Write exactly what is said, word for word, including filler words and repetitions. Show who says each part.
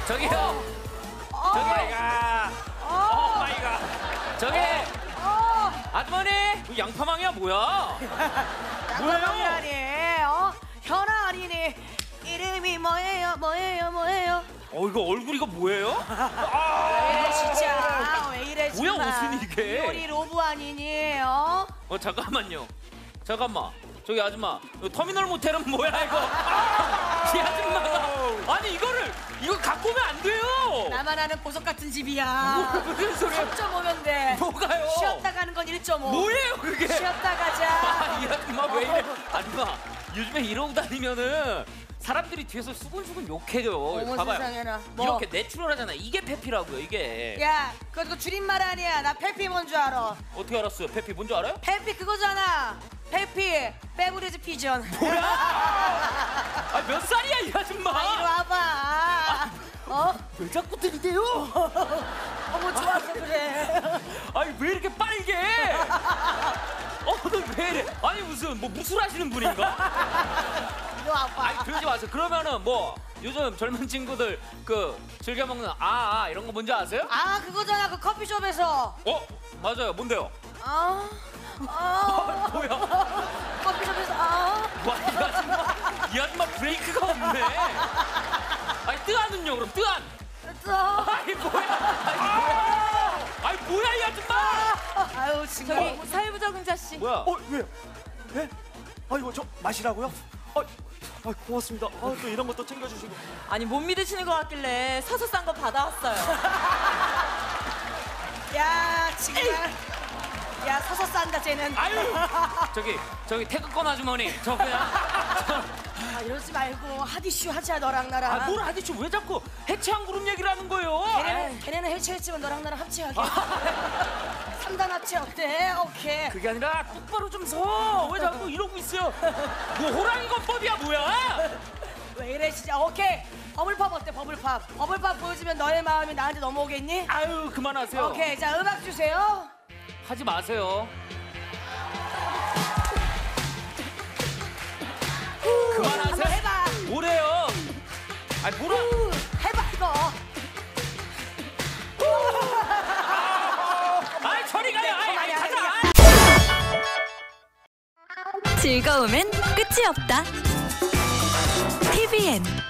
Speaker 1: 저기요.
Speaker 2: 어.
Speaker 1: 저기 마이가. 오 마이 갓. 저기
Speaker 2: 어.
Speaker 1: 아주머니. 그 양파망이야 뭐야?
Speaker 2: 뭐예요? 어? 현아 어린이 이름이 뭐예요? 뭐예요? 뭐예요?
Speaker 1: 어 이거 얼굴 이거 뭐예요?
Speaker 2: 왜 이래 진짜? 왜 이래
Speaker 1: 뭐야,
Speaker 2: 정말?
Speaker 1: 무슨 이게?
Speaker 2: 우리 로브 아니니? 어?
Speaker 1: 어 잠깐만요. 잠깐만. 저기 아줌마. 이거 터미널 모텔은 뭐야 이거? 이 아줌마가 아니 이거를 이거 갖고 오면 안 돼요.
Speaker 2: 나만 아는 보석 같은 집이야.
Speaker 1: 무슨 소리야?
Speaker 2: 삼 점 오면 돼.
Speaker 1: 뭐가요?
Speaker 2: 쉬었다 가는 건 일 점 오.
Speaker 1: 뭐예요 그게?
Speaker 2: 쉬었다 가자.
Speaker 1: 아, 이 아줌마 왜 이래? 아줌마 요즘에 이러고 다니면은 사람들이 뒤에서 수근수근 욕해요.
Speaker 2: 어머
Speaker 1: 봐봐요.
Speaker 2: 세상에나. 뭐.
Speaker 1: 이렇게 내추럴하잖아. 이게 페피라고요 이게.
Speaker 2: 야, 그거, 그거 줄임말 아니야. 나 페피 뭔 줄 알아?
Speaker 1: 어떻게 알았어요? 페피 뭔지 알아요?
Speaker 2: 페피 그거잖아. 페피 베브리즈 피전.
Speaker 1: 뭐야? 아, 몇 살이야 이 아줌마?
Speaker 2: 아, 이리 와봐. 어?
Speaker 1: 왜 자꾸 들이대요?
Speaker 2: 어머 좋아서 그래.
Speaker 1: 아니 왜 이렇게 빨개? 어, 너 왜 이래? 아니 무슨 뭐 무술하시는 분인가?
Speaker 2: 이리 와봐.
Speaker 1: 아니 그러지 마세요. 그러면은 뭐 요즘 젊은 친구들 그 즐겨 먹는 아, 아 이런 거 뭔지 아세요?
Speaker 2: 아 그거잖아 그 커피숍에서.
Speaker 1: 어 맞아요. 뭔데요?
Speaker 2: 아, 아,
Speaker 1: 뭐야?
Speaker 2: 커피숍에서 아.
Speaker 1: 와, 이 아줌마, 이 아줌마 브레이크가 없네. 아니 뜨안은요 그럼 뜨안.
Speaker 2: 됐어.
Speaker 1: 아니 뭐야? 아니 뭐야? 아니 뭐야 이 아줌마?
Speaker 2: 아유 정말.
Speaker 3: 저기 사회부적응자 씨.
Speaker 1: 뭐야?
Speaker 4: 어, 왜요? 예? 아, 이거 저 마시라고요? 아, 아 고맙습니다. 아, 또 이런 것도 챙겨주시고.
Speaker 3: 아니 못 믿으시는 것 같길래 서서 싼 거 받아왔어요.
Speaker 2: 야 정말. 야 서서 싼다 쟤는.
Speaker 1: 아유 저기 저기 태극권 아주머니 저 그냥
Speaker 2: 아 이러지 말고 핫이슈 하자 너랑 나랑.
Speaker 1: 아뭘 하디쇼 왜 자꾸 해체한 그룹 얘기를 하는 거예요?
Speaker 2: 걔네는 걔네는 해체했지만 너랑 나랑 합체하게. 삼 단 합체 어때? 오케이.
Speaker 1: 그게 아니라 똑바로 좀 서. 왜 자꾸 이러고 있어요? 뭐 호랑이 건법이야 뭐야?
Speaker 2: 왜 이래 진짜. 오케이. 버블팝 어때? 버블팝. 버블팝 보여주면 너의 마음이 나한테 넘어오겠니?
Speaker 1: 아유 그만하세요.
Speaker 2: 오케이 자 음악 주세요.
Speaker 1: 하지 마세요. 그만하세요.
Speaker 2: 한번 해봐.
Speaker 1: 뭐래요? 아니 뭐라?
Speaker 2: 우, 해봐 이거.
Speaker 1: 아이 저리 가요. 아이, 아이 가자.
Speaker 5: 즐거움엔 끝이 없다. 티비엔